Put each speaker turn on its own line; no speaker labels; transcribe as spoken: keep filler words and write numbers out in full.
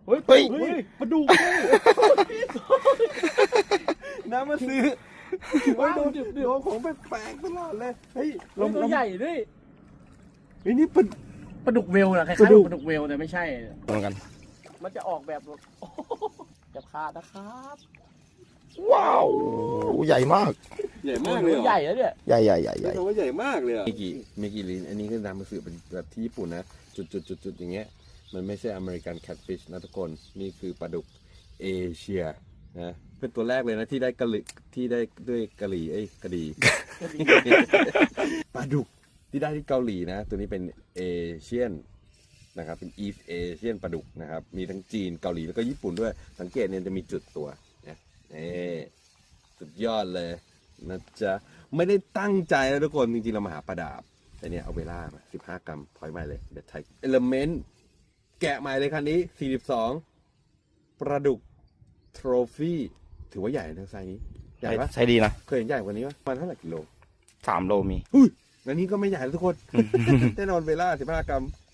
เฮ้ย
เฮ้ย
ปลาดุกน้ำมาซื้อว้าวโดนโดนของแปลกๆตลอดเลยเฮ้ย
ลงตัวใหญ่ด้วย
เฮ้ยนี่ปลา
ปลาดุกเวลนะคล้ายๆ
ปลาดุก
ปลาดุกเวลแต่ไม่ใช่
ตรงกัน
มันจะออกแบบโอ้โหจะขาดนะครับ
ว้าวใหญ่มาก
ใหญ่มากเลย
ตัวใหญ่แล้วเนี่ย
ใหญ่ใหญ่ใหญ่ใหญ่
คำว่าใหญ่มากเลยอ่ะ
เมกิเมกิลินอันนี้ก็นำมาสื่อเป็นแบบที่ญี่ปุ่นนะ จุดจุดจุดจุดอย่างเงี้ยมันไม่ใช่อเมริกันแคทฟิชนะทุกคนนี่คือปลาดุกเอเชียนะเป็นตัวแรกเลยนะที่ได้กะหรี่ที่ได้ด้วยกะหรี่เอ้ยกะดี ปลาดุกที่ได้ที่เกาหลีนะ ตัวนี้เป็นเอเชียนนะครับเป็นอีฟเอเชียนปลาดุกนะครับมีทั้งจีนเกาหลีแล้วก็ญี่ปุ่นด้วยสังเกตเนี่ยจะมีจุดตัวนะนี่สุดยอดเลยนะจ๊ะไม่ได้ตั้งใจนะทุกคนจริงๆเรามาหาปลาดาบแต่เนี่ยเอาเวลามาสิบห้ากรัมพอยใหม่เลยเดี๋ยวไทยเอลเมนต์แกะใหม่เลยคันนี้สี่สิบสองปลาดุกโทรฟี่ถือว่าใหญ่นะไซส์นี้ใหญ่ปะ
ใช้ดีนะ
เคยเห็นใหญ่กว่านี้ปะประมาณเท่าไหร่กิโล
สามโลมี
อุ้ยอันนี้ก็ไม่ใหญ่นะทุกคน แน่นอนเวลาสิบห้ากรัม